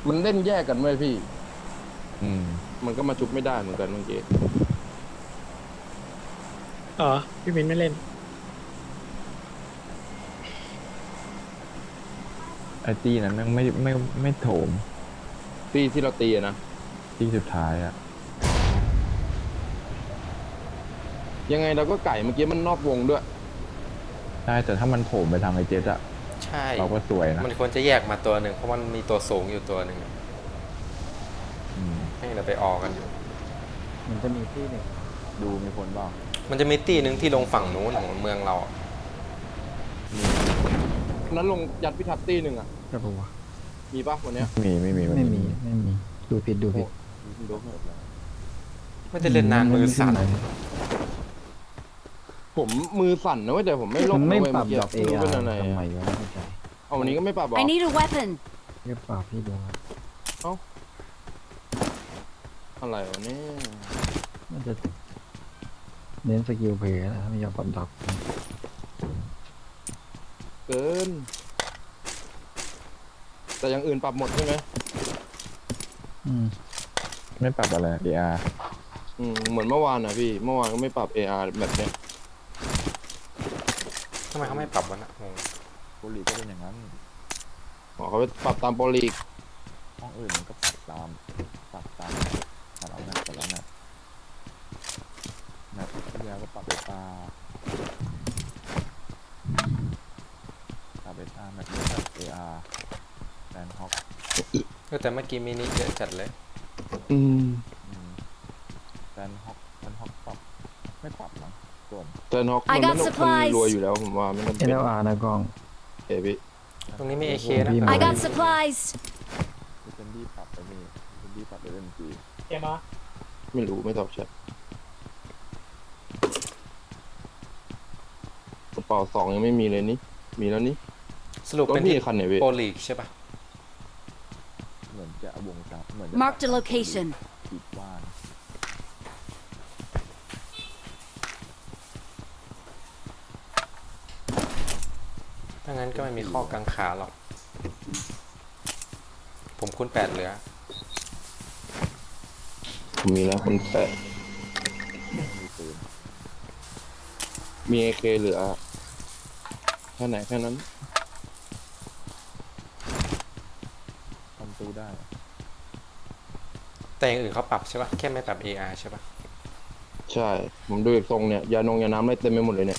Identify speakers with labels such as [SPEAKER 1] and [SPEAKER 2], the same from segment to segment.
[SPEAKER 1] มันเล่นแยกกันไว้พี่
[SPEAKER 2] อืม
[SPEAKER 1] มันก็มาชุบไม่ได้เหมือนกันเมื่อกี้
[SPEAKER 3] อ๋อพี่มินไม่เล่น
[SPEAKER 2] ไอ้ตี้นั้นแม่งไม่โถม
[SPEAKER 1] ตีที่เราตีอะนะ
[SPEAKER 2] ที่สุดท้ายอ่ะ
[SPEAKER 1] ยังไงเราก็ไก่เมื่อกี้มันนอกวงด้วย
[SPEAKER 2] ใช่แต่ถ้ามันโถมไปทางไอ้เจ็ตอะ
[SPEAKER 4] ใช่
[SPEAKER 2] เราก็สวยนะ
[SPEAKER 4] มันควรจะแยกมาตัวหนึ่งเพราะมันมีตัวสูงอยู่ตัวหนึ่ง
[SPEAKER 2] อืม
[SPEAKER 4] ให้เราไปออกกันอยู่
[SPEAKER 2] มันจะมีที่หนึ่งดูมีคนบ้าง
[SPEAKER 4] มันจะมีตี้หนึ่งที่ลงฝั่งนู้นของเมืองเราอะ
[SPEAKER 1] นั้นลงยัดพิทัศน์ตีหนึ่งอ่ะ
[SPEAKER 3] กระปัว
[SPEAKER 1] มีปะวันเนี้ย
[SPEAKER 2] ไม่มี
[SPEAKER 3] ไม่มีไม่มีดูผิดดูผิด
[SPEAKER 1] ดู
[SPEAKER 4] ไม่ได้เล่นนานมือสั่น
[SPEAKER 1] ผมมือสั่นนะเว้ยแต่ผมไม่ล
[SPEAKER 3] มั
[SPEAKER 1] ง
[SPEAKER 3] นไม่
[SPEAKER 1] นะเว้ย
[SPEAKER 3] ปรับ
[SPEAKER 1] เมื่อกี้
[SPEAKER 3] ดอกเอ
[SPEAKER 1] ไม่รู้
[SPEAKER 3] อา
[SPEAKER 1] เป็น
[SPEAKER 3] ร์
[SPEAKER 1] อะไร
[SPEAKER 3] ทำไม
[SPEAKER 1] อะ
[SPEAKER 3] วะไม่เข้าใจ
[SPEAKER 1] เอาวันนี้ก็ไม่ปรับหรอ
[SPEAKER 5] I need a weapon.
[SPEAKER 3] เรียกปรับพี่ดูครับ
[SPEAKER 1] อะไรวะเนี่ย
[SPEAKER 3] มันจะเน้นสกิลเพลย์นะไม่ยอมปรับดอก
[SPEAKER 1] เกิน แต่อย่างอื่นปรับหมดใช่ไหม
[SPEAKER 3] อืม
[SPEAKER 2] ไม่ปรับอะไร AR
[SPEAKER 1] เหมือนเมื่อวานนะพี่เมื่อวานก็ไม่ปรับ AR แบบเนี้ย
[SPEAKER 4] ทำไมเขาไม่ปรับวะนะงง
[SPEAKER 2] โปรลีกก็เป็นอย่างนั้น
[SPEAKER 1] อ๋อเขาไปปรับตามโปรลีก
[SPEAKER 2] ห้องอื่นมันก็ปรับตามแต่ละแมปที่แล้วก็ปรับเบต้าแมปนี้แบบ AR แลนด์ฮอก
[SPEAKER 4] แต่เมื่อกี้มินิเยอะจัดเลย
[SPEAKER 2] แลนด์ฮอกปรับไม่ปรับมั้งส่วน
[SPEAKER 1] แต่น็อกมัน
[SPEAKER 5] I
[SPEAKER 1] ไม่
[SPEAKER 5] got
[SPEAKER 1] ต้องคน
[SPEAKER 5] supplies
[SPEAKER 1] รวยอยู่แล้วผมว่าไม่ต้อง
[SPEAKER 3] เอ
[SPEAKER 1] เป็น
[SPEAKER 3] ลอาร์นะกล้อง
[SPEAKER 1] เอพี่
[SPEAKER 4] ตรงนี้มี AK นะ
[SPEAKER 5] I got supplies.
[SPEAKER 2] เซนดี้ปรับไปนี่เซนดี้ปรับไปMG
[SPEAKER 3] เกมอ่ะ
[SPEAKER 1] ไม่รู้ไม่ตอบแชทกระเป๋า2ยังไม่มีเลยนี่มีแล้วนี่
[SPEAKER 4] สรุป
[SPEAKER 1] ก็
[SPEAKER 4] เป็น
[SPEAKER 1] มี
[SPEAKER 4] ที่
[SPEAKER 1] คันเนี่ยพี่
[SPEAKER 4] โปรลีกใช่ปะ
[SPEAKER 2] เหมือนจะวงจับเหมือนจะ
[SPEAKER 5] Marked a location.
[SPEAKER 2] ปิดบ้าน
[SPEAKER 4] ถ้างั้นก็ไม่มีข้อกังขาหรอก ผมคูณ8เหลือ
[SPEAKER 1] ผมมีแล้วคนแปะ
[SPEAKER 2] มีปืน
[SPEAKER 1] มีเอเคเหลือแค่ไหนแค่นั้น
[SPEAKER 2] ทำตู้ได้
[SPEAKER 4] แต่อย่างอื่นเขาปรับใช่ปะแค่ไม่ปรับ AR ใช่ปะ
[SPEAKER 1] ใช่ ผมดูอีกทรงเนี่ยยานงยาน้ำอะไรเต็มไปหมดเลยเนี่ย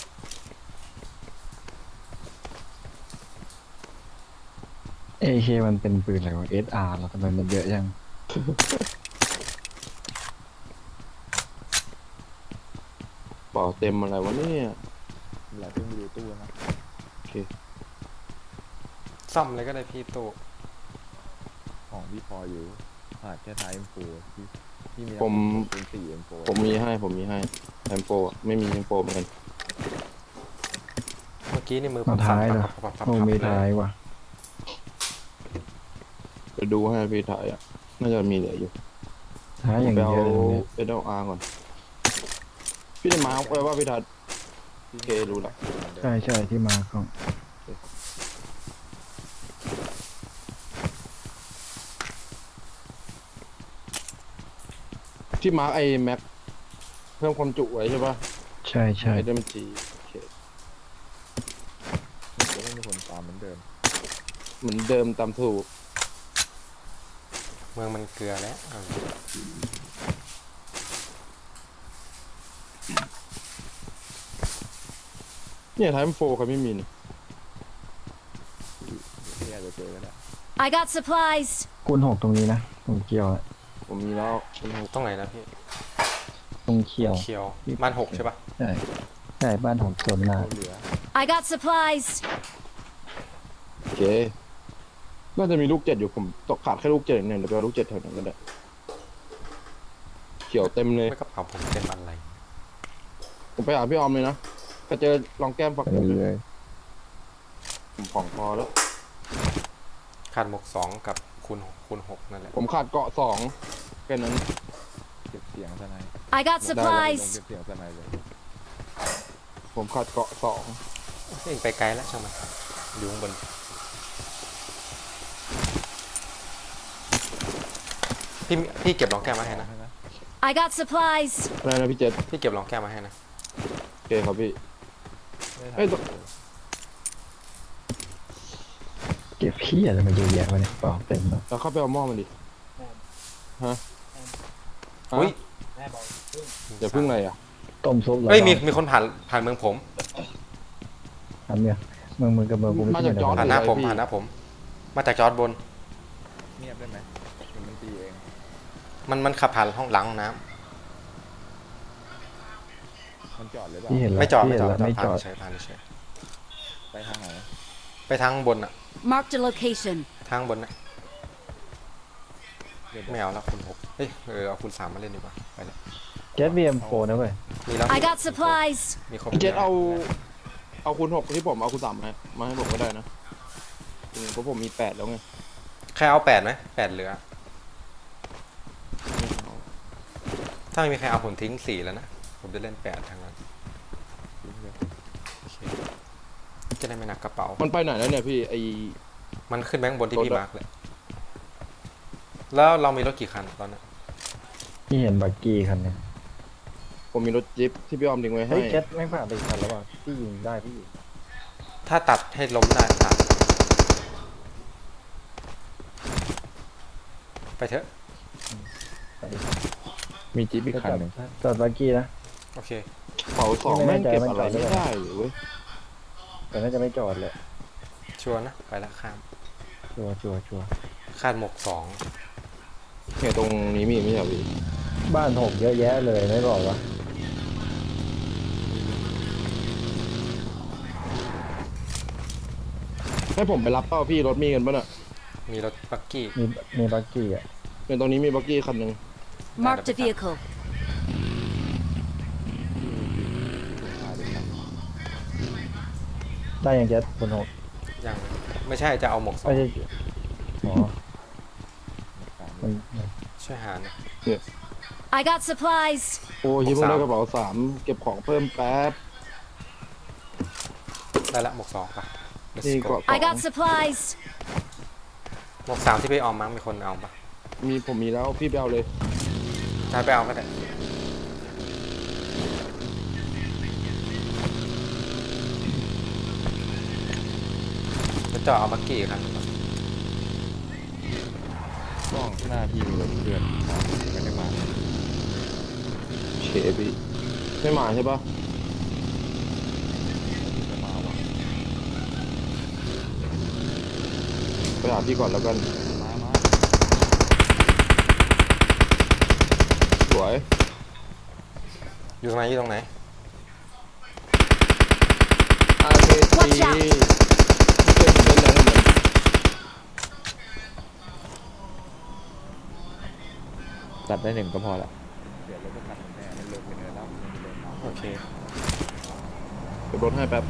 [SPEAKER 3] เอเคมันเป็นปืนอะไรวะเอสอาร์แล้วทำไมมันเยอะยัง
[SPEAKER 1] เปล่าเต็มอะไรวะเนี่ย
[SPEAKER 2] หลายเพิ่งไปดูตู้นะ
[SPEAKER 1] โอเค
[SPEAKER 4] ซ่อมเลยก็ได้พี่ตู้
[SPEAKER 2] ของพี่พออยู่ขาดแค่ท้าย M4 ที่มี
[SPEAKER 1] ผม
[SPEAKER 2] ปืน4 M4
[SPEAKER 1] ผมมีให้แอมโปอะไม่มีแอมโปเหมือนกัน
[SPEAKER 4] เมื่อกี้นี่มือผ
[SPEAKER 3] มาม ท้ายเหรอ
[SPEAKER 4] ปับ
[SPEAKER 3] โอ้มีท้ายว่ะ
[SPEAKER 1] ไปดูให้พี่ถ่ายอ่ะน่าจะมีเหลืออยู่
[SPEAKER 3] ท้ายอย่าง
[SPEAKER 1] ไป
[SPEAKER 3] เดี
[SPEAKER 1] เอา
[SPEAKER 3] ยวเลยเนี่ย
[SPEAKER 1] เอเดลอาร์ก่อนพี่ได้มาร์คไว้ว่าพี่ทัดโอเครู้ละ
[SPEAKER 3] ใช่ใช่ที่มาของ
[SPEAKER 1] ที่มาร์คไอแม็กเพิ่มความจุไว้ใช่ปะ
[SPEAKER 3] ใช่ใช่
[SPEAKER 1] ไอเดมจีโอเค
[SPEAKER 2] จะไม่มีคนตามเหมือนเดิม
[SPEAKER 1] เหมือนเดิมตามถูก
[SPEAKER 4] เมืองมันเกลือแล้วเอา
[SPEAKER 1] เนี่ยไทม์โฟเขาไม่มีนี่
[SPEAKER 2] ที่อาจจะเจอก็ได้
[SPEAKER 5] I got supplies.
[SPEAKER 3] คูณ6ตรงนี้นะตรงเคียวอะ
[SPEAKER 1] ผมมีแล้วเป็นหก
[SPEAKER 4] ตรงไหนนะพี่
[SPEAKER 3] ตรงเคียว
[SPEAKER 4] เคียวบ้าน6ใช่ปะ
[SPEAKER 3] ใช่ใช่บ้านของส่วนหน้า
[SPEAKER 2] เหลือ
[SPEAKER 5] I got supplies.
[SPEAKER 1] โอเคน่าจะมีลูก7อยู่ผมตกขาดแค่ลูก7เนี่ยเดี๋ยวไปเอาลูก7แถวนั้นก็ได้เขียวเต็มเลย
[SPEAKER 4] ไม่กระเป๋าผมเต็มอะไร
[SPEAKER 1] ผมไปหาพี่ออมเลยนะก็เจอลองแก้มฝัก
[SPEAKER 2] ไป
[SPEAKER 1] ผม
[SPEAKER 2] เรื่อย
[SPEAKER 1] ผมของพอแล้ว
[SPEAKER 4] ขาดหมวก2กับคูณ6นั่นแหละ
[SPEAKER 1] ผมขาดเกาะ2แค่นั้น
[SPEAKER 2] ๆเก็บเสียงสไน
[SPEAKER 5] I got
[SPEAKER 2] ลง
[SPEAKER 5] supplies.
[SPEAKER 2] เก็บเสียงสไนเลย
[SPEAKER 1] ผมขาดเกาะ
[SPEAKER 4] เองไปไกลแล้วช่างมันอยู่ข้างบนพี่เก็บรองแก้วมาให้นะ
[SPEAKER 5] I got supplies.
[SPEAKER 1] อะไรนะพี่เจษ
[SPEAKER 4] พี่เก็บรองแก้วมาให้นะ
[SPEAKER 1] โอเคครับพี่
[SPEAKER 2] ไม่ทัน
[SPEAKER 1] เอ้ย
[SPEAKER 3] เก็บขี้อะไรมาเยอะแยะวะเนี่ยเปล่าเต็มแล้ว
[SPEAKER 1] เราเข้าไปเอาหม้อมันดิฮะ
[SPEAKER 4] อุ้ย
[SPEAKER 1] อย่าพึ่งอะไรอ่ะ
[SPEAKER 3] ต้มซุปเหรอ
[SPEAKER 4] เฮ้ยมีคนผ่านเมืองผม
[SPEAKER 3] ทำเนี่ยมึงกับมึงกูไม่
[SPEAKER 1] มา
[SPEAKER 3] ใช่
[SPEAKER 1] จากจอร์จ
[SPEAKER 4] ผ่านหน้าผม
[SPEAKER 1] พี่
[SPEAKER 4] ผ่านหน้าผม มาจากจอร์ดบน
[SPEAKER 2] เงียบได้ไหมเดี๋ยวมันตีเอง
[SPEAKER 4] มันขับผ่านห้องหลังห้องน้
[SPEAKER 2] มันจอดหรือเปล่า
[SPEAKER 3] พี่เห็น
[SPEAKER 4] ำ
[SPEAKER 3] แล้ว
[SPEAKER 4] ไม่จอด
[SPEAKER 3] พี่
[SPEAKER 4] ไม่
[SPEAKER 3] เห็น
[SPEAKER 4] จอด
[SPEAKER 3] แล้วไม่จอด
[SPEAKER 4] ผ่านเฉยผ่านเฉย
[SPEAKER 2] ไปทางไหน
[SPEAKER 4] ไปทางบนอะ
[SPEAKER 5] Marked a location.
[SPEAKER 4] ทางบนนะ
[SPEAKER 2] เดี๋ยว
[SPEAKER 4] ไม่เอาแล้วคุณหกเฮ้ยเอาคุณสามมาเล่นดีกว่าไปเลย
[SPEAKER 3] เจ็ตบีเอ็มโฟนะเว้ย
[SPEAKER 4] มีแล้ว
[SPEAKER 5] I got supplies.
[SPEAKER 4] มีครบ
[SPEAKER 1] พี่เจษเอาคูณ6ที่ผมเอาคูณ3มาให้ผมก็ได้นะเพราะผมมี8แล้วไง
[SPEAKER 4] ใครเอา8ไหม8เหลือ ถ้าไม่มีใครเอาผมทิ้ง4แล้วนะ ผมจะเล่น8ทางนั้น
[SPEAKER 2] ทิ้งเลย
[SPEAKER 4] โอเคจะได้ไม่หนักกระเป๋า
[SPEAKER 1] มันไปไหนแล้วเนี่ยพี่ไอ
[SPEAKER 4] มันขึ้นแบงค์บนที่
[SPEAKER 1] รถ
[SPEAKER 4] พี่
[SPEAKER 1] อะ
[SPEAKER 4] มาร์กเลย แล้วเรามีรถกี่คันตอนนั้น
[SPEAKER 3] พี่เห็นบักกี้คันเนี่ย
[SPEAKER 1] ผมมีรถจิ๊ปที่พี่ออมทิ้งไว้ให้
[SPEAKER 3] เฮ้ยเจ็ตไม่ผ่านไปอีกคันแล้วว่ะพี่ยิงได้พี่
[SPEAKER 4] ถ้าตัดให้ล้มได้ตัดไปเถอะ
[SPEAKER 3] ไปดิ
[SPEAKER 2] มีจิ๊บอีกคันหนึ่ง
[SPEAKER 3] จอดบักกี้นะ
[SPEAKER 4] โอเค
[SPEAKER 1] เป๋าสองแม่งเก็บอะไรไม่ได้เลยเว้ย
[SPEAKER 3] แต่น่าจะไม่จอดเลย
[SPEAKER 4] ชัวร์นะ ไปละข้าม
[SPEAKER 3] ชัวร์
[SPEAKER 4] คาดหมก2
[SPEAKER 1] เนี่ยตรงนี้มีไม่ใช่เหรอพี่
[SPEAKER 3] บ้านหกเยอะแยะเลยไม่บอกวะ
[SPEAKER 1] ให้ผมไปรับเป้าพี่รถมีกันป่ะน่ะ
[SPEAKER 4] มีรถบักกี้
[SPEAKER 3] มีบักกี้อ่ะ
[SPEAKER 1] เนี่ยตรงนี้มีบักกี้คันหนึ่ง
[SPEAKER 5] Marked a vehicle.
[SPEAKER 3] ได้ยังเจ็ตคนหก
[SPEAKER 4] ยังไม่ใช่จะเอาหมก
[SPEAKER 3] ไม่ใช่อ๋อมัน
[SPEAKER 4] 2ช่วยหาหน่อย
[SPEAKER 5] I got supplies.
[SPEAKER 1] โอ้ยเพิ่งได้กระเป๋า3เก็บของเพิ่มแป๊บ
[SPEAKER 4] ได้ละหมก2ป่ะ Let's
[SPEAKER 1] นี่
[SPEAKER 4] go
[SPEAKER 1] เกาะ
[SPEAKER 5] I got supplies.
[SPEAKER 4] หมก3ที่ไปออมมั้งมีคนเอาป่ะ
[SPEAKER 1] ผมมีแล้วพี่ไปเอาเลย
[SPEAKER 4] ถ้าไปเอาก็ได้จะจอดเอาบักกี้ครับ
[SPEAKER 2] กล้องหน้าที่มีรถเพื่อนไม่ได้มา
[SPEAKER 1] เฉพี่ไม่มาใช่ปะ
[SPEAKER 2] จะมาว่ะ
[SPEAKER 1] ไปหาพี่ก่อนแล้วกัน
[SPEAKER 2] มา
[SPEAKER 1] สวย
[SPEAKER 4] อยู่ตรงไหนอยู่ตรงไหน
[SPEAKER 1] RKT
[SPEAKER 5] Watch out
[SPEAKER 1] เพื่อนผมเล่นแรงกันเหมือน
[SPEAKER 2] ตัดได้1ก็พอละเดี๋ยวรถจะตัดแน่มันเลยไปเนินแล้วมันมีเลนเอา
[SPEAKER 4] โอเค
[SPEAKER 1] เก็บรถให้แป๊บ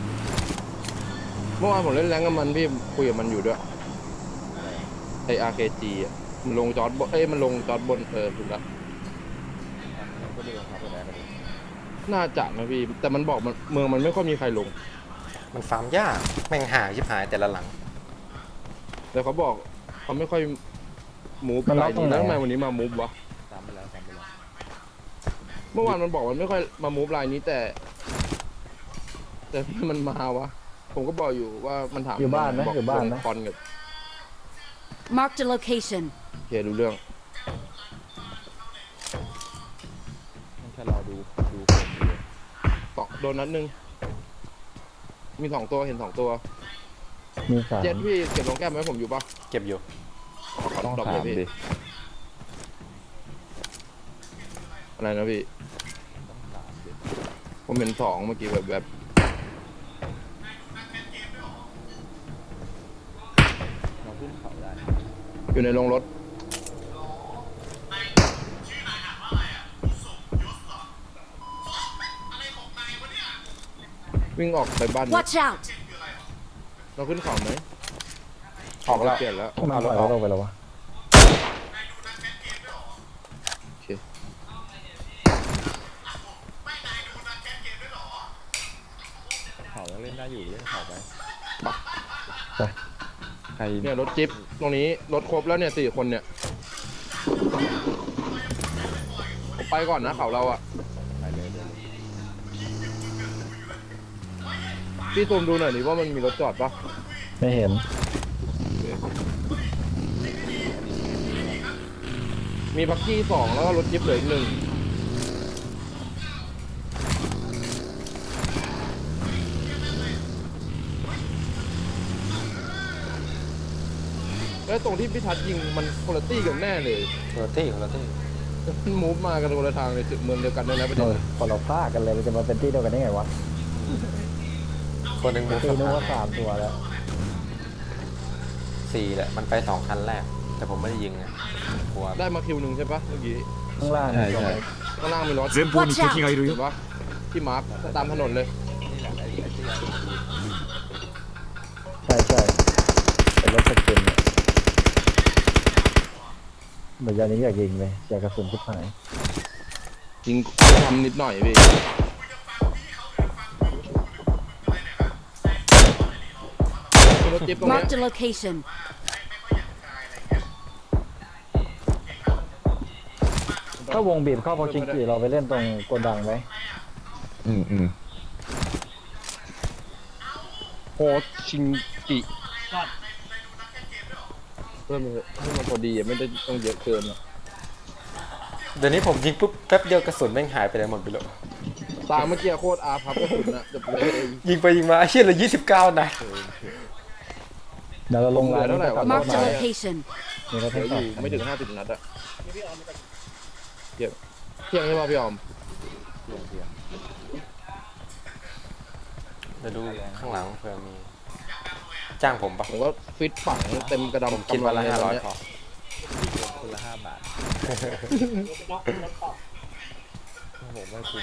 [SPEAKER 1] เมื่อวานผมเล่นแรงกับมันพี่คุยกับมันอยู่ด้วยไอ RKG อ่ะมันลงจอดบนมันลงจอดบนถูกแล้ว
[SPEAKER 2] มันก็ดูรองเท้าไปแล้วกันดิ
[SPEAKER 1] น่าจะนะพี่แต่มันบอกมันเมืองมันไม่ค่อยมีใครลง
[SPEAKER 4] มันฟาร์มยากแม่งหาชิบหายแต่ละหลัง
[SPEAKER 1] แต่เขาบอกเขาไม่ค่อยมูฟ
[SPEAKER 3] มัน
[SPEAKER 1] ไป
[SPEAKER 3] ล็อกตรง
[SPEAKER 1] นี่
[SPEAKER 3] ไหน
[SPEAKER 1] แล้วทำไม
[SPEAKER 3] อะ
[SPEAKER 1] วันนี้มามูฟวะ
[SPEAKER 2] ตามไปแล้ว
[SPEAKER 1] เมื่อวานมันบอกมันไม่ค่อยมามูฟไลน์นี้แต่มันมาวะผมก็บอกอยู่ว่ามันถาม
[SPEAKER 3] อยู่บ้านไหม
[SPEAKER 1] บอก
[SPEAKER 3] อยู่บ้านไหม
[SPEAKER 1] คอนกับ
[SPEAKER 5] Marked a location.
[SPEAKER 1] โอเครู้เรื่อง
[SPEAKER 2] มันแค่รอดูคนอยู่เลย
[SPEAKER 1] ต่อโดนนัดหนึงมี2 ตัวเห็น2 ตัว
[SPEAKER 3] มีสาม
[SPEAKER 1] เจ็ดพี่เก็บรองแก้มไว้ผมอยู่ปะ
[SPEAKER 4] เก็บอยู่
[SPEAKER 1] ขอ
[SPEAKER 2] ต้อง
[SPEAKER 1] ดรอป
[SPEAKER 2] ถา
[SPEAKER 1] เล
[SPEAKER 2] ม
[SPEAKER 1] ยพี่
[SPEAKER 2] ดิ
[SPEAKER 1] อะไรนะพี่
[SPEAKER 2] ต้องถามดิ
[SPEAKER 1] ผมเห็น2เมื่อกี้แบบ
[SPEAKER 2] เราขึ้นเขาได้
[SPEAKER 1] อยู่ในโรงรถวิ่งออกไปบ้านเนี่ย
[SPEAKER 5] Watch out.
[SPEAKER 1] เราขึ้นเขาไหม
[SPEAKER 4] ออกแล้ว
[SPEAKER 1] เปลี่ยนแล้ว
[SPEAKER 3] มันปล่อยรถลงไปแล้ววะ
[SPEAKER 1] โอเค
[SPEAKER 2] เขายังเล่นได้อยู่เล่นเขาไป
[SPEAKER 3] ไป
[SPEAKER 2] ใคร
[SPEAKER 1] เนี่ยรถจิ๊บตรงนี้รถครบแล้วเนี่ย4 คนเนี่ยผมไปก่อนนะเขาเราอะ
[SPEAKER 2] ไปเลยเดี๋ยว
[SPEAKER 1] พี่ซูมดูหน่อยดิว่ามันมีรถจอดปะ
[SPEAKER 3] ไม่เห็น
[SPEAKER 1] มีบักกี้สองแล้วก็รถจิ๊บเหลืออีกหนึ่งแล้วตรงที่พี่ทัศน์ยิงมันคุณภาพกันแน่เลย
[SPEAKER 4] คนละที่
[SPEAKER 1] มันมูฟมากันคนละทางเลยจุดเมืองเดียวกันเลยนะประเด็น
[SPEAKER 3] คนเราฆ่ากันเลยมันจะมาเป็นที่เดียวกันได้ไงวะ
[SPEAKER 4] คนหนึ่งมูฟ
[SPEAKER 3] ตีนึกว่า3 ตัวแล้ว
[SPEAKER 4] 4แหละมันไป2คันแรก แต่ผมไม่ได้ยิงไงกลัว
[SPEAKER 1] ได้มาคิวหนึ่งใช่ปะเมื่อกี้
[SPEAKER 3] ข้างล่าง
[SPEAKER 2] ใช่ใช่
[SPEAKER 1] ข้างล่างมีรถ
[SPEAKER 5] Watch out!
[SPEAKER 1] เห็นปะที่มาร์คตามถนนเลย
[SPEAKER 3] ใช่ใช่เป็นรถสกินเนี่ยเหมือนยานี้อยากยิงเลยอยากกระสุนทุกหาย
[SPEAKER 1] ยิงทำนิดหน่อยพี่มีรถจิ๊บตรงเนี้ย
[SPEAKER 5] Marked a location.
[SPEAKER 3] ถ้าวงบีบเข้าพอชิงกีเราไปเล่นตรงโกดังไหม
[SPEAKER 2] อืม
[SPEAKER 1] โฮชิงกิเพิ่มมันให้มันพอดีอ่ะไม่ได้ต้องเยอะเกินอ่ะ
[SPEAKER 4] เดี๋ยวนี้ผมยิงปุ๊บแป๊บเดียวกระสุนแม่งหายไปไหนหมดไปแล้ว
[SPEAKER 1] ตามเมื่อกี้โคตรอาพับกระสุนอ่ะจบเลย
[SPEAKER 4] ยิงไปยิงมาไอ้เชี่ยเลย29 นัด
[SPEAKER 3] เดี๋ยวเราลงร้าน
[SPEAKER 1] เหลือเท่าไหร่วะ
[SPEAKER 5] Marked a location.
[SPEAKER 3] มีรถ
[SPEAKER 1] เหลื
[SPEAKER 3] ให้
[SPEAKER 1] อ
[SPEAKER 3] จ
[SPEAKER 1] อ
[SPEAKER 3] อด
[SPEAKER 1] ยู่ไม่ถึง50 นัดอ่ะเที่ยงเที่ยงใช่ป่ะพี่ออม
[SPEAKER 2] เพียงเพียง
[SPEAKER 4] เดี๋ยวดูข้างหลังเผื่อมี จ้างผมปะ
[SPEAKER 1] ผมก็ฟิตฝังเต็มกระดำ
[SPEAKER 4] คิดวันละ
[SPEAKER 1] กำงเยตอนเนี้
[SPEAKER 4] 500
[SPEAKER 1] ย
[SPEAKER 4] พอ
[SPEAKER 2] คนละ5 บาทผมไม่คุ้ม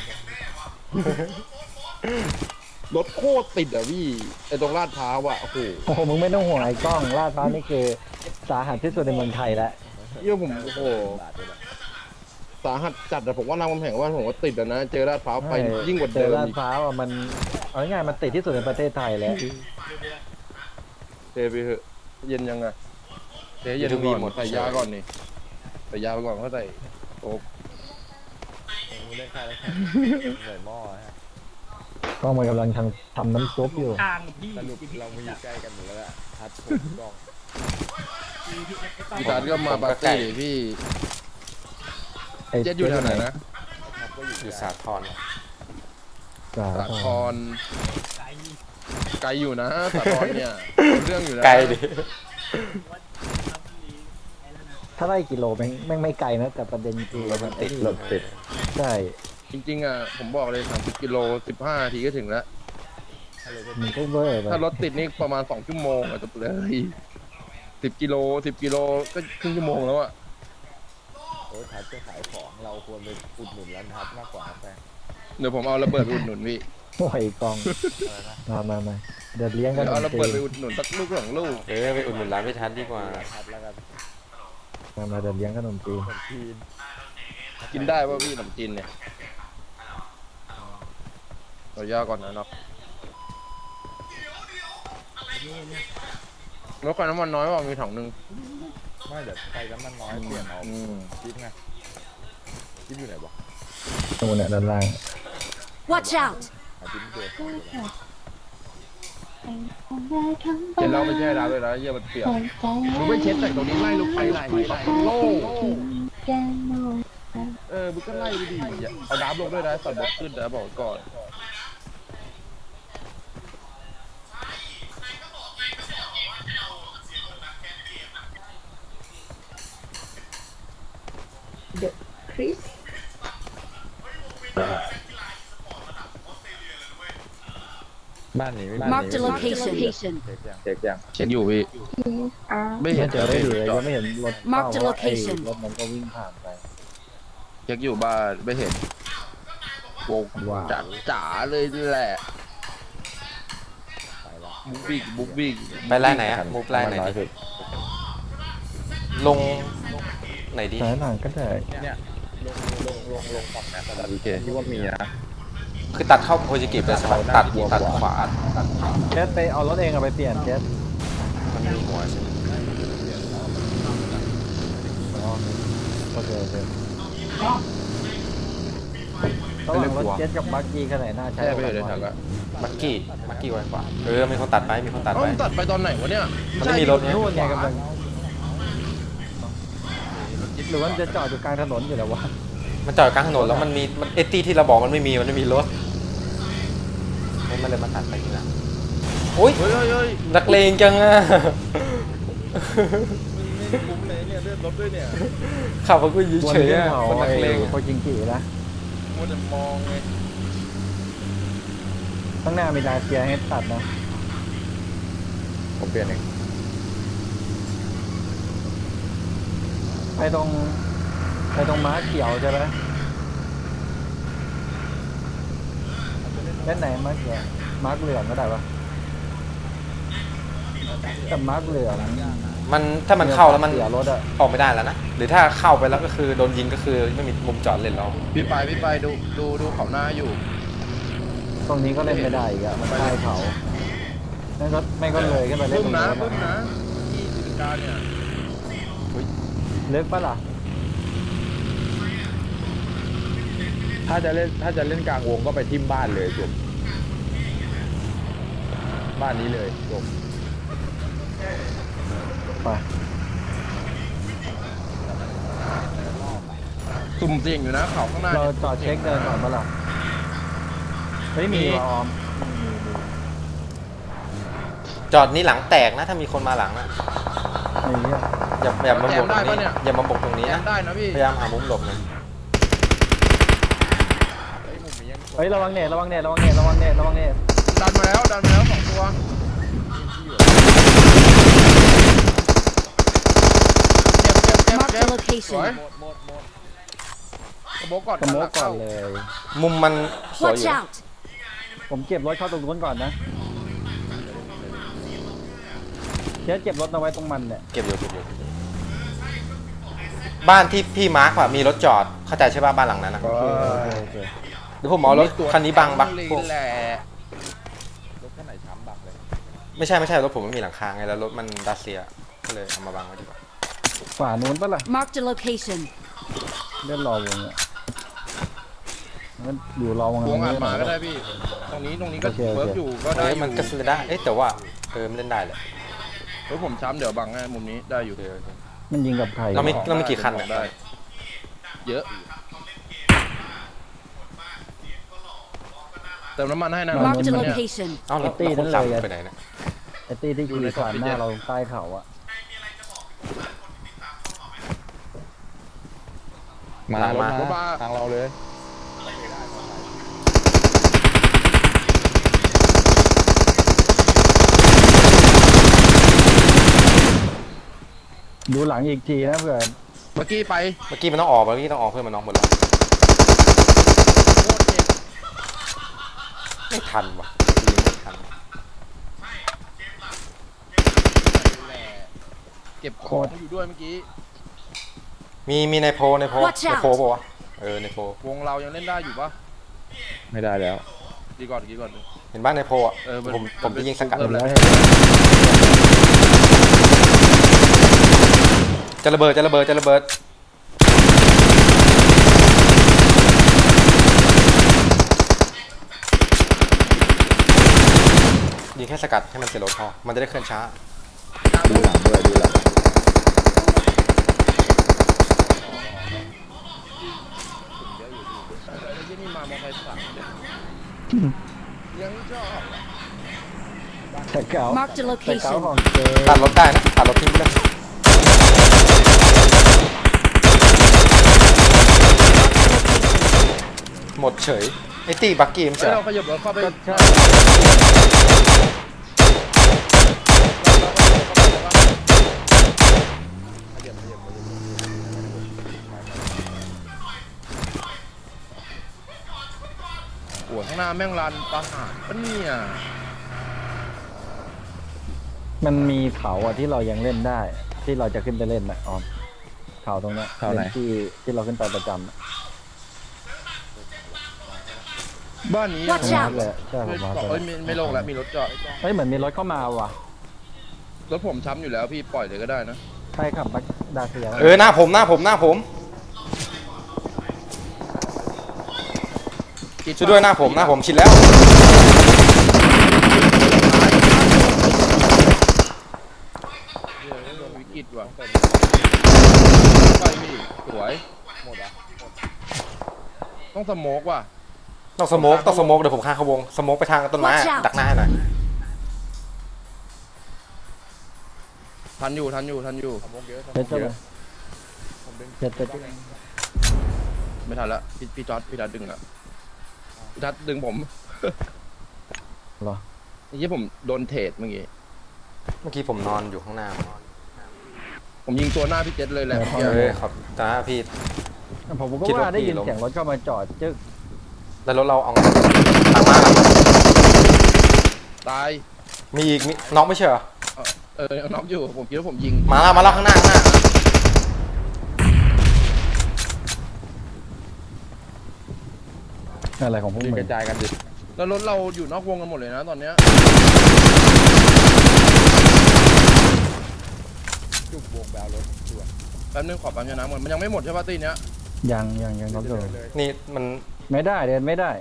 [SPEAKER 1] รถโคตรติดอ่ะพี่ไอตรงลาดพร้าวอ่ะโอ้โห
[SPEAKER 3] โอ้โหมึงไม่ต้องห่วงไอ้กล้องลาดพร้าวนี่คือสาหัสที่สุดในเมืองไทยแล้ว
[SPEAKER 1] เยี่ยผมโอ้โห
[SPEAKER 2] บาทเลยแหละ
[SPEAKER 1] สาหัสจัดแต่ผมว่ารามคำแหงว่าผมว่าติดอะนะ เจอลาดพร้าวไปยิ่งกว่า
[SPEAKER 3] เจ
[SPEAKER 1] เดิ
[SPEAKER 3] อ
[SPEAKER 1] ม
[SPEAKER 3] ลาด
[SPEAKER 1] อีก
[SPEAKER 3] พร้าวอ่ะมันเอาง่ายๆมันติดที่สุดในประเทศไทยแล้ว
[SPEAKER 1] เจไปเถอะเย็นยังไงเจเย็นก่อนใส่ยาก่อนนี่ใส่ยาไปก่อนเขาใส่โอ๊บ
[SPEAKER 2] ผมเล่นค่ายแล้วใส่หม้อฮะ
[SPEAKER 3] กล้องมันกำลังทำน้ำซุปอยู่
[SPEAKER 2] สรุปเรามาอยู่ใกล้กันหมดแล้วอะทัดผมกล้อง
[SPEAKER 1] พี่ตาก็มาปาร์ตี้ดิพี่
[SPEAKER 3] ไอ้
[SPEAKER 1] เจ็ดอยู่แถวไหนนะ
[SPEAKER 2] ทัดก็อยู่
[SPEAKER 4] อยู่สาทร
[SPEAKER 3] สา
[SPEAKER 1] สา
[SPEAKER 3] ธ
[SPEAKER 1] ค
[SPEAKER 3] ร
[SPEAKER 1] รไกลอยู่นะสาครเนี่ยเรื่องอยู่นะ
[SPEAKER 4] ไกลดิ
[SPEAKER 3] ถ้าไล่กิโลแม่งไม่ไกลนะแต่ประเด็นคือ
[SPEAKER 4] มันติด
[SPEAKER 3] รถติดใช่
[SPEAKER 1] จริงๆอ่ะผมบอกเลย30 กิโล 15 นาทีก็ถึงแล้ว
[SPEAKER 3] มันก็เวอร์ไป
[SPEAKER 1] ถ้ารถติดนี่ประมาณ2 ชั่วโมงอะจบเลย10 กิโล 10 กิโลก็ครึ่งชั่วโมงแล้วอ่ะ
[SPEAKER 2] โอ้ยทัดจะขายของเราควรไปอุดหนุนร้านทัดมากกว่าแฟน
[SPEAKER 1] เดี๋ยวผมเอาระเบิดไปอุดหนุนพี่
[SPEAKER 3] โอ้ยกล้อง
[SPEAKER 2] อะไรนะ
[SPEAKER 3] มาเดี๋ยวเลี้ยงกัน
[SPEAKER 1] เดี๋ยวเอาระ
[SPEAKER 3] ตี
[SPEAKER 1] เบิดไปอุดหนุนสักลูก2 ลูก
[SPEAKER 4] ไปอุดหนุนร้านพิทัศน์ดีกว่า
[SPEAKER 2] ทัดแล้วกัน
[SPEAKER 3] มาเดี๋ยวเลี้ยงขนมจีน
[SPEAKER 2] คนจีน
[SPEAKER 1] กินได้ป่ะพี่ขนมจีนเนี่ยเราย่าก่อนนะเนาะรถไฟน้ำมันน้อยว่ามีถังหนึ่ง
[SPEAKER 2] ไม่เดี๋ยวใครน้ำมันน้อยเปลี่ยนเอา
[SPEAKER 1] อืม
[SPEAKER 2] จิ๊บไงจิ๊บอยู่ไหนบอก
[SPEAKER 3] นู่นเนี่ยด้านล่าง
[SPEAKER 5] Watch out!
[SPEAKER 2] หาจิ๊บไม่เจอ
[SPEAKER 1] เห็นเราไม่ใช่ดาวเลยนะเยี่ยมันเปียกมึงไม่เช็ดแต่ตรงนี้ไล่ลงไปไล่โล่มึงก็ไล่ไปดิอย่าเอาน้ำลงด้วยนะสัตว์บกขึ้นนะบอกก่อน
[SPEAKER 6] Chris
[SPEAKER 2] บ้านนี้ไม่
[SPEAKER 5] Marked a location.
[SPEAKER 2] เช็คยัง
[SPEAKER 3] เช็คยัง
[SPEAKER 1] เช็คอยู่พี่
[SPEAKER 6] are
[SPEAKER 1] ไม่เห็
[SPEAKER 3] ไม่
[SPEAKER 1] น
[SPEAKER 3] เจอได้ดีเลยยังไม่เห็นรถ
[SPEAKER 5] Mark the
[SPEAKER 3] เพราะว่าไอ้
[SPEAKER 5] location
[SPEAKER 3] รถมันก็วิ่งผ่านไป
[SPEAKER 1] เช็คอยู่บ้านไม่เห็นโวง
[SPEAKER 3] ว้าว
[SPEAKER 1] จ๋าจ๋าเลยแหละ
[SPEAKER 2] ไปละ
[SPEAKER 1] บุ๊กบิ๊กบุ๊กบิ๊ก
[SPEAKER 4] ไปไล่ไหนอะมูฟไล่ไหน
[SPEAKER 2] น้อย
[SPEAKER 4] ดิ
[SPEAKER 2] สุด
[SPEAKER 4] ลงไหนดี
[SPEAKER 3] สายหนังก็ได้
[SPEAKER 2] เนี่ยลงฝั่งนั้นแต่
[SPEAKER 1] โอเค
[SPEAKER 2] ที่ว่ามีนะ
[SPEAKER 4] คือตัดเข้าโพจิกิไปใช่ไหมตัดขวา
[SPEAKER 3] เจสไปเอารถเองเอาไปเปลี่ยนเจส
[SPEAKER 4] มันมีหัวใช่ไหม
[SPEAKER 3] โอเคโอเคระหว่างรถเจ็ตกับบักกี้ขนาดน่าใช้
[SPEAKER 1] แช่ไปเลยถังอะ
[SPEAKER 4] บักกี้ไวกว่ามีคนตัดไปมีคนตัด
[SPEAKER 1] เอ้า
[SPEAKER 4] ไป
[SPEAKER 1] มันตัดไปตอนไหนวะเนี่ย
[SPEAKER 4] มันไม่มีรถไง
[SPEAKER 3] นู่นไงกำลังหรือว่ามันจะจอดอยู่กลางถนนอยู่แล้ววะ
[SPEAKER 4] มันจอดกลางถนนแล้วมันเอตี้ที่เราบอกมันไม่มีรถมันเลยมาตัดไปทีหลังโอ้ย
[SPEAKER 1] เฮ้ย
[SPEAKER 4] นักเลงจังอะ
[SPEAKER 1] ไม่คุ้มเลยเนี่ยเลื่อนรถด้วยเนี่ย
[SPEAKER 4] ขับมากูยืน
[SPEAKER 3] บน
[SPEAKER 4] เฉย
[SPEAKER 3] เรื่อง
[SPEAKER 4] อะ
[SPEAKER 3] เขา
[SPEAKER 4] คนนักเลง
[SPEAKER 3] โคจิงกินะ
[SPEAKER 1] มัวแต่มองไง
[SPEAKER 3] ข้างหน้ามีดาเซียให้ตัดนะ
[SPEAKER 2] ผมเปลี่ยนเอง
[SPEAKER 3] ไปตรงม้าเขียวใช่ไหมเล่นไหนม้าเขียวม้าเหลืองก็ได้ปะแต่ม้าเหลือง
[SPEAKER 4] มันถ้ามันเข้าแล้วมัน
[SPEAKER 3] เสียรถอะ
[SPEAKER 4] ออกไม่ได้แล้วนะหรือถ้าเข้าไปแล้วก็คือโดนยิงก็คือไม่มีมุมจอดเล่นแล้ว
[SPEAKER 1] พี่ไปดูเขาหน้าอยู่
[SPEAKER 3] ตรงนี้ก็เล่นไม่ได้อีกอะมันใต้เขาไม่ก็เลยขึ้นไปเล่น
[SPEAKER 1] บึ้
[SPEAKER 3] ต
[SPEAKER 1] ม
[SPEAKER 3] รง
[SPEAKER 1] นะ
[SPEAKER 3] นู้น
[SPEAKER 1] บึ้มนะที่สิริการเนี่ย
[SPEAKER 3] ลึกปะล่ะ
[SPEAKER 2] ถ้าจะเล่นกลางวงก็ไปทิ่มบ้านเลยจบบ้านนี้เลยจบ
[SPEAKER 3] ไป
[SPEAKER 1] สุ่มเสี่ยงอยู่นะเขาข้างหน้า
[SPEAKER 3] เรา
[SPEAKER 1] เนี่ย
[SPEAKER 3] จอดเช็คเดินก่อนปะล่ะเฮ้ยมีว่ะออม
[SPEAKER 4] จอดนี้หลังแตกนะถ้ามีคนมาหลังนะ
[SPEAKER 3] มีเนี่ย
[SPEAKER 4] อย่ามาบกตรงนี้อย่ามาบกตรงนี้
[SPEAKER 1] แอ
[SPEAKER 4] นะ
[SPEAKER 1] มได้นะพี่
[SPEAKER 4] พยายามหามุมหลบนะ
[SPEAKER 3] เฮ้ยระวังเน็ตระวังเน็ตระวังเน็ตระวังเน็ตระวังเน็ต
[SPEAKER 1] ดันมาแล้ว2 ตัวเจ็บ
[SPEAKER 5] Mark
[SPEAKER 1] ส
[SPEAKER 5] the
[SPEAKER 1] วย
[SPEAKER 5] location.
[SPEAKER 1] กระโบกก่อน
[SPEAKER 3] กระโมกก่อนเลย
[SPEAKER 4] มุมมันสวยอ
[SPEAKER 5] Watch
[SPEAKER 4] ยู่
[SPEAKER 5] out!
[SPEAKER 3] ผมเก็บรถเข้าตรงนู้นก่อนนะเดี๋ยวเก็บรถเอาไว้ตรงมันเนี่ย
[SPEAKER 4] เก็บอยู่บ้านที่พี่มาร์คอะมีรถจอดเข้าใจใช่ป่ะบ้านหลังนั้นนะ
[SPEAKER 3] โอเคโอเค
[SPEAKER 4] เดี๋ยวผมเอารถคันนี้บังพวก
[SPEAKER 1] แหละ
[SPEAKER 2] รถคันไหนช้ำบังเลย
[SPEAKER 4] ไม่ใช่รถผมไม่มีหลังคาไงแล้วรถมันดัสเซียก็เลยเอามาบังไว้ดีกว่า
[SPEAKER 3] ฝานู้นปะล่ะ
[SPEAKER 5] Marked a location.
[SPEAKER 3] เล่นรอวงอ่ะงั้นอยู่รอวง
[SPEAKER 1] วงอ่านมาก็
[SPEAKER 3] ได้
[SPEAKER 1] ได้พี่ ตรงนี้ก็
[SPEAKER 3] โอเค
[SPEAKER 1] เวิร์กอยู่ก็ได้
[SPEAKER 4] เอ้ย
[SPEAKER 1] อยู่
[SPEAKER 4] มันก็เล่นได้แต่ว่ามันเล่นได้แหละ
[SPEAKER 1] รถผมช้ำเดี๋ยวบังให้มุมนี้ได้อยู่
[SPEAKER 4] เดี๋ยว
[SPEAKER 3] มันยิงกับใคร
[SPEAKER 4] เรามีกี่คัน
[SPEAKER 1] ได้
[SPEAKER 4] เนี่ย
[SPEAKER 1] เยอะเติมน้ำมันให้นะ
[SPEAKER 5] Marked a
[SPEAKER 1] เนี่ย
[SPEAKER 5] location.
[SPEAKER 4] เอ้าแล้วคนขับไปไหนเนี่ย
[SPEAKER 3] ไอ้ตี้ที่ขี่ผ่านหน้าเราใต้เขาอ่ะ
[SPEAKER 2] มารถมาทางเราเลย
[SPEAKER 3] ดูหลังอีกทีนะเผื่อ
[SPEAKER 1] เมื่อกี้ไป
[SPEAKER 4] เมื่อกี้มันต้องออกเพื่อนมันน็อกหมดแล้ว
[SPEAKER 1] โคตรเจ็บ
[SPEAKER 4] ไม่ทันว่ะยิงไม่ทัน
[SPEAKER 1] เก็บของอยู่ด้วยเมื่อกี้
[SPEAKER 4] มีในโพ
[SPEAKER 5] Watch
[SPEAKER 4] ใน
[SPEAKER 5] out
[SPEAKER 4] โพป่ะวะในโพ
[SPEAKER 1] วงเรายังเล่นได้อยู่ปะ
[SPEAKER 2] ไม่ได้แล้ว
[SPEAKER 1] ดีก่อน
[SPEAKER 4] เห็นบ้านในโพอ่ะ
[SPEAKER 1] มัน
[SPEAKER 4] ผมจะยิงสกัด
[SPEAKER 1] เพิ่มแล้ว
[SPEAKER 4] จะระเบิดยิงแค่สกัดให้มันเสียรถพอมันจะได้เคลื่อนช้า
[SPEAKER 2] ดูหลังด้วยดูหลัง
[SPEAKER 1] ที่นี่มามอไซค์สามยังชอบ
[SPEAKER 3] แต่เก่า
[SPEAKER 5] Marked a
[SPEAKER 3] แต่เก่า
[SPEAKER 5] location.
[SPEAKER 3] ของเจ
[SPEAKER 4] ตัดรถได้นะตัดรถทิ้งไปเลยหมดเฉยไอ้ตีบักกี้มัน
[SPEAKER 1] เฮ้
[SPEAKER 4] จะ
[SPEAKER 1] ยเราขยับรถเข้าไป
[SPEAKER 3] ก็ใช่
[SPEAKER 1] โอ้ข้างหน้าแม่งรันประหารปะเนี่ย
[SPEAKER 3] มันมีเขาอ่ะที่เรายังเล่นได้ ที่เราจะขึ้นไปเล่นนะออมเขาตรงเนี้ย
[SPEAKER 2] เขาไหน
[SPEAKER 3] เป็นที่เราขึ้นไปประจำอะ
[SPEAKER 1] บ้านนี้
[SPEAKER 5] Watch
[SPEAKER 3] มา
[SPEAKER 5] out
[SPEAKER 3] เลยใช่ผมมา
[SPEAKER 1] เอ้ยไม่โล่งแล้วมีรถจอด
[SPEAKER 3] เฮ้ยเหมือนมีรถเข้ามาว่ะ
[SPEAKER 1] รถผมช้ำอยู่แล้วพี่ปล่อยเลยก็ได้นะ
[SPEAKER 3] ใครขับบักดาเซีย
[SPEAKER 4] หน้าผมช่วยด้วยหน้าผมชิดแล้ว
[SPEAKER 1] วิกฤตว่ะไปพี่สวย
[SPEAKER 2] หมดอ่ะ
[SPEAKER 1] ต้องสโมกว่ะ
[SPEAKER 4] ต้องสโมกเดี๋ยวผมฆ่าเขาวงสโมกไปทางต้นไม้
[SPEAKER 5] Watch out
[SPEAKER 4] ดักหน้าให้หน่อย
[SPEAKER 1] ทันอยู่
[SPEAKER 2] สมองเยอะสม
[SPEAKER 3] เจ็
[SPEAKER 2] อ
[SPEAKER 3] ด
[SPEAKER 2] ง
[SPEAKER 3] เจ็ด
[SPEAKER 2] เย
[SPEAKER 3] เล
[SPEAKER 2] อะ
[SPEAKER 3] ย
[SPEAKER 2] ผมดึง
[SPEAKER 3] เจ็ดเจ็ด
[SPEAKER 1] ไม่ทันละพี่จอร์ดพี่ทัดดึงอ่ะพี่ทัดดึงผม
[SPEAKER 3] เหรอ
[SPEAKER 1] ไอ้ยี่ผมโดนเทรดเมื่อกี้
[SPEAKER 4] เมื่อกี้ผมนอนอยู่ข้างหน้า
[SPEAKER 1] ผมยิงตัวหน้าพี่เจษเลยแหละ
[SPEAKER 4] เฮ้ยครับจ้าพี่
[SPEAKER 3] ผมก็
[SPEAKER 4] คิดว่า
[SPEAKER 3] ว่าได้ยิน
[SPEAKER 4] พี่ล้ม
[SPEAKER 3] เสียงรถเข้ามาจอดจึ๊ก
[SPEAKER 4] แล้วรถเราเอาหลังมา
[SPEAKER 1] ตาย
[SPEAKER 4] มีอีกมีน็อกไม่ใช่เหรอ
[SPEAKER 1] น็อกอยู่ผมคิดว่าผมยิง
[SPEAKER 4] มาแล้วข้างหน้า
[SPEAKER 3] อะไรของพวก
[SPEAKER 2] ยิง
[SPEAKER 3] มึ
[SPEAKER 2] ก
[SPEAKER 3] ง
[SPEAKER 2] ระจายกันดิ
[SPEAKER 1] แล้วรถเราอยู่นอกวงกันหมดเลยนะตอนเนี้ย
[SPEAKER 2] จุกวงแบวรถด่วน
[SPEAKER 1] แป๊บนึงขอปั๊มยาน้ำก่อนมันยังไม่หมดใช่ป่ะตีเนี้ย
[SPEAKER 3] ยังรถอยู่
[SPEAKER 2] เลย
[SPEAKER 4] นี่มัน
[SPEAKER 3] ไม่ได้เดินไม่ได้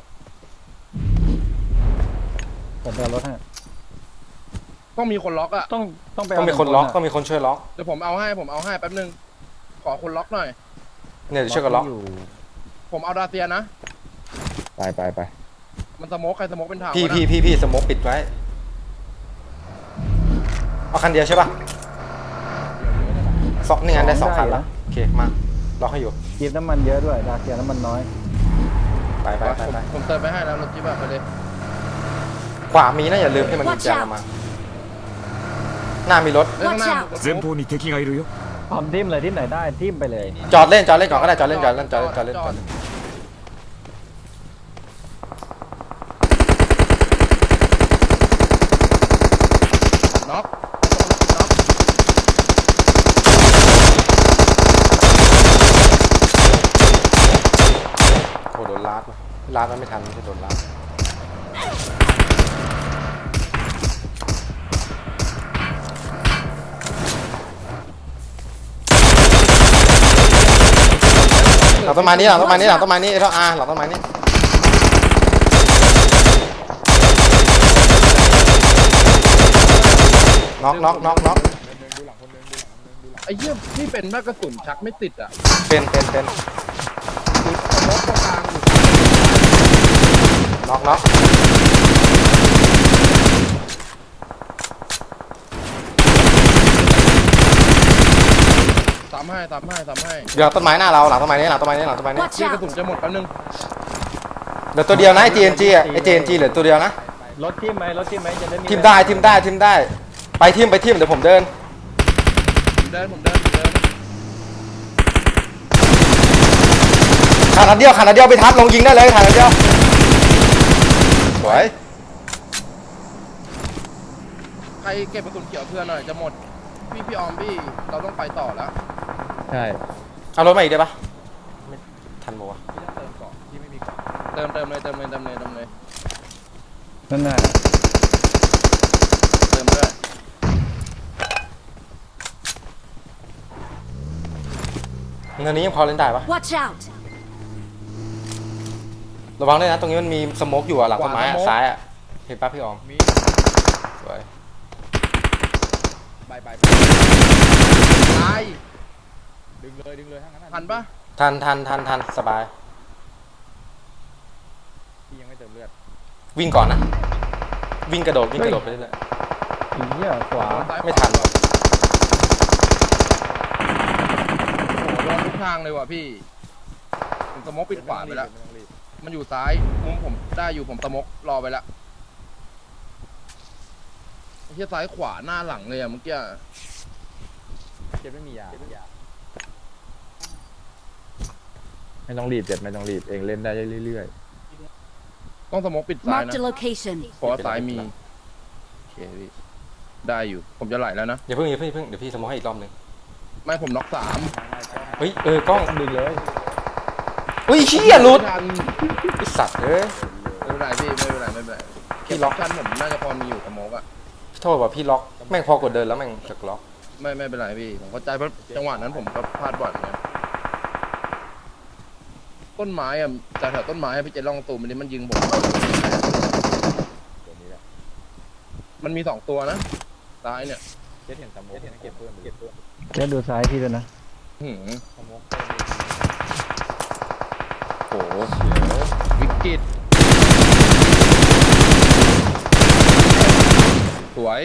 [SPEAKER 3] ผมไปเอารถให้
[SPEAKER 1] ต้องมีคนล็อกอ่ะ
[SPEAKER 3] ต้องไป
[SPEAKER 4] ต้องมีคนล็อกต้องมีคนช่วยล็อก
[SPEAKER 1] เดี๋ยวผมเอาให้แป๊บนึงขอคนล็อกหน่อย
[SPEAKER 4] เนี่ยเดี๋ยวช่วยกันล็อก
[SPEAKER 3] อยู่
[SPEAKER 1] ผมเอาดาเซียนะ
[SPEAKER 2] ไป
[SPEAKER 1] มันสโมกใครสโมกเป็นทาง
[SPEAKER 4] พี่
[SPEAKER 1] วะนะ
[SPEAKER 4] พี่สโมกปิดไว้เอาคันเดียวใช่ป่ะสองนี่ไงได้2คันแล้วโอเคมาล็อกให้อยู่
[SPEAKER 3] จีบน้ำมันเยอะด้วยดาเซียน้ำมันน้อย
[SPEAKER 4] ไป
[SPEAKER 1] ผมเติมไปให้แล้วรถจิ๊บอะไปเลย
[SPEAKER 4] ขวามีนะอย่าลืมที่มันมีแจงมาหน้ามีรถ
[SPEAKER 1] เอ้ยข้างหน้า
[SPEAKER 5] Watch out
[SPEAKER 7] 前方に敵がいるよ
[SPEAKER 3] พร้อมทิมเลยทิมไหนได้ทิมไปเลย
[SPEAKER 4] จอดเล่นก่อนก็ได้จอดเล่น
[SPEAKER 1] น็อก
[SPEAKER 4] โอ้โดนลาดมันไม่ทันไม่ใช่โดนลาดหลังต้นไม้นี้ไอ้ท่อหลังต้นไม้นี้น็อก
[SPEAKER 1] ไอ้เหี้ยนี่เป็นมากกระสุนชักไม่ติดอ่ะ
[SPEAKER 4] เป็น
[SPEAKER 1] คือสโมกตรงกลางอยู่
[SPEAKER 4] น็อก
[SPEAKER 1] ตามให้
[SPEAKER 4] เดี๋ยวต้นไม้หน้าเราหลังต้นไม้นี้
[SPEAKER 5] Watch
[SPEAKER 1] เหี้ยกระสุน
[SPEAKER 5] out!
[SPEAKER 1] จะหมดแป๊บนึง
[SPEAKER 4] เหลือตัวเดียวนะไอ้ TNG อ่ะไอ้ TNG เหลือตัวเดียวนะ
[SPEAKER 3] รถทิมไหมจะได้มี
[SPEAKER 4] ทีมได้ไปทีมเดี๋ยวผมเดิน
[SPEAKER 1] ผมเดิน
[SPEAKER 4] ขาดนัดเดียวไปทัดลงยิงได้เลยขาดนัดเดียวสวย
[SPEAKER 1] ใครเก็บกระสุนเขียวเพื่อนหน่อยจะหมดพี่ออมพี่เราต้องไปต่อแล้ว
[SPEAKER 2] ใช่
[SPEAKER 4] เอารถมาอีกได้ปะไม่ทันปะวะ
[SPEAKER 2] พี่ต้องเติมเกาะที่ไม่มีเกาะ
[SPEAKER 1] เติมเลย
[SPEAKER 3] นั่นน่ะ
[SPEAKER 1] เติมด้วย
[SPEAKER 4] เงินนี้ยังพอเล่นได้ปะ
[SPEAKER 5] Watch out!
[SPEAKER 4] ระวังด้วยนะตรงนี้มันมีสโมกอยู่อะหลังต้นไม้อะซ้ายอะเห็นปะพี่ออม
[SPEAKER 2] มี
[SPEAKER 4] สวย
[SPEAKER 2] ไป
[SPEAKER 1] ตาย
[SPEAKER 2] ดึงเลยทั้งนั้น
[SPEAKER 1] ทันปะ
[SPEAKER 4] ทันสบาย
[SPEAKER 2] พี่ยังไม่เติมเลือด
[SPEAKER 4] วิ่งก่อนนะวิ่งกระโดดไปเรื่อย
[SPEAKER 3] อีเหี้ยขวา
[SPEAKER 1] ซ้าย
[SPEAKER 4] ไม่ทัน
[SPEAKER 1] โอ้โหโดนทุกทางเลยว่ะพี่ผมสโมกปิดขวาไปแล้ว
[SPEAKER 2] ม่ต้องรีบ
[SPEAKER 1] มันอยู่ซ้ายมุมผมได้อยู่ผมสโมกรอไปแล้วไอ้เหี้ยซ้ายขวาหน้าหลังเลยอะเมื่อกี้
[SPEAKER 2] เจ็บไม่มียาไม่ต้องรีบเจ็บไม่ต้องรีบเองเล่นได้เรื่อย
[SPEAKER 1] ต้องสโมกปิดซ้าย
[SPEAKER 5] Marked
[SPEAKER 1] นะ
[SPEAKER 5] a location.
[SPEAKER 1] เพราะว่าซ้ายมีโอเคพี่ได้อยู่ผมจะไหลแล้วนะ
[SPEAKER 4] อย่าเพิ่งเดี๋ยวพี่สโมกให้อีกรอบหนึง
[SPEAKER 1] ไม่ผมน็อก3
[SPEAKER 4] เฮ้ยกล้อง
[SPEAKER 3] ดึงเลย
[SPEAKER 4] เฮ้ยเชี่ยหลุด
[SPEAKER 1] ไม่ทัน
[SPEAKER 4] ไอ้สัตว์เอ้ย
[SPEAKER 1] ไม่เป็นไรพี่ไม่เป็นไร
[SPEAKER 4] พี่ล็อก
[SPEAKER 1] ชั้นผมน่าจะพอมีอยู่สโมกอะ
[SPEAKER 4] โทษว่าพี่ล็อกแม่งพอกดเดินแล้วแม่งจะล็อก
[SPEAKER 1] ไม่เป็นไรพี่ผมเข้าใจเพราะจังหวะนั้นผมก็พลาดบ่อยเหมือนกันต้นไม้อ่ะจากแถวต้นไม้อะพี่เจลองตูมมันยิงผม
[SPEAKER 2] ตัวนี้แหละ
[SPEAKER 1] มันมี2ตัวนะซ้ายเนี่ย
[SPEAKER 2] เจ็ดเห็นสโมกเก็บเพิ่มเก็บเพิ่ม
[SPEAKER 3] เจ๊ดูซ้ายพี่ด้วยนะ
[SPEAKER 1] หืม
[SPEAKER 2] สโมก
[SPEAKER 1] โหวิกฤตสวย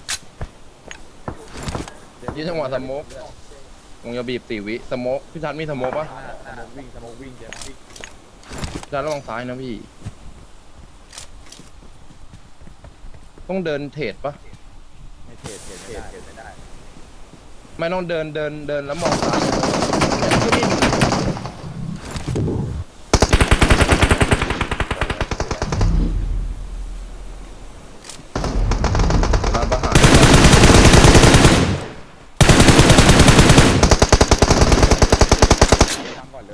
[SPEAKER 1] ยี่จังหวะสโมกวงยาบีบ4 วิสโมกพี่ชันมีสโมกปะ
[SPEAKER 2] สโมกวิ่งเจ๊
[SPEAKER 1] พี่ชันระวังซ้ายนะพี่ ต้องเดินเทรดปะ
[SPEAKER 2] ไม่เทรดไม่ได้
[SPEAKER 1] ไม่ต้องเดินแล้วมองซ้ายก็มีร้านประหาร
[SPEAKER 2] ทำก่อนเลย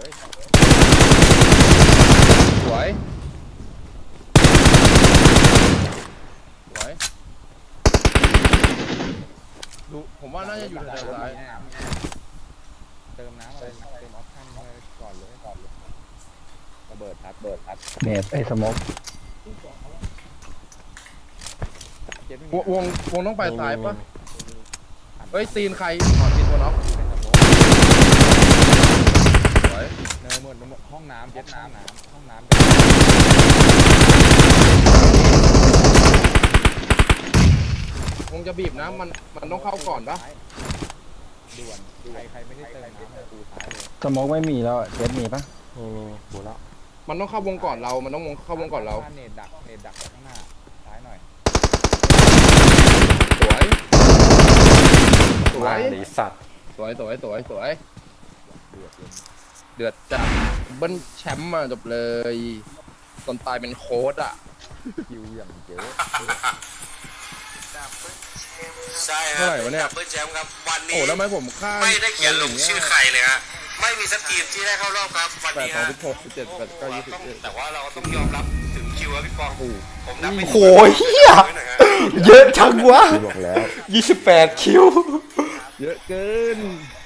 [SPEAKER 1] สวยสวยดูผมว่าน่าจะอยู่แถวซ้าย
[SPEAKER 2] เติมน้ำอะไรเติมออปชั่นเลยก่อนเลยระเบิดพัด
[SPEAKER 3] เนตไอ้สโมก
[SPEAKER 2] เจ็ดไม่
[SPEAKER 1] ว
[SPEAKER 2] มี
[SPEAKER 1] งต้องไปซ้ายปะเฮ้ยตีนใครถอดตีนตัวน็อกสวย
[SPEAKER 2] เนยหมดห้องน้ำเจ็ดห้องน้ำ
[SPEAKER 1] วงจะบีบนะมันต้องเข้าก่อนปะ
[SPEAKER 2] ด่วนใครไม่ได้เติมน้ำปูซ้ายเลย
[SPEAKER 3] สโมกไม่มีแล้วอะเจ๊มีปะ
[SPEAKER 2] ปูแล้ว
[SPEAKER 1] มันต้องเข้าวงก่อนเรา มันต้องเข้าวงก่อนเรา
[SPEAKER 2] เนตดักข้างหน้าซ้ายหน่อย
[SPEAKER 1] สวยสว
[SPEAKER 4] มาย ดีสัตว์
[SPEAKER 1] สวย
[SPEAKER 2] เดือดเลย
[SPEAKER 1] เดือดจัดเบิ้ลแชมป์มาจบเลยตอนตายเป็นโค้ดอ่ะ
[SPEAKER 2] คิวอย่างเยอะ
[SPEAKER 7] ใช่
[SPEAKER 1] เท่าไหร่วะเนี่ย
[SPEAKER 7] ดับเบิลแชมป์ครับวัน
[SPEAKER 1] โอ้
[SPEAKER 7] นี้
[SPEAKER 1] แล้วทำไมผมฆ่า
[SPEAKER 7] ไม่ได้เขียนลงชื่อใครเลยฮะไม่มีสักทีมที่ได้เข้ารอบครับวัน
[SPEAKER 1] 8
[SPEAKER 7] นี้ฮะ
[SPEAKER 1] 2 16 17 8 9 20
[SPEAKER 7] แต่ว่าเราต้องยอมรับถึงคิวครับพี่ปองผมนับไม่
[SPEAKER 4] โอ้ยเฮีย
[SPEAKER 7] หน่อยฮะ
[SPEAKER 4] เยอะจังวะ
[SPEAKER 2] บอกแล้ว
[SPEAKER 4] 28 คิว
[SPEAKER 1] เยอะเกิน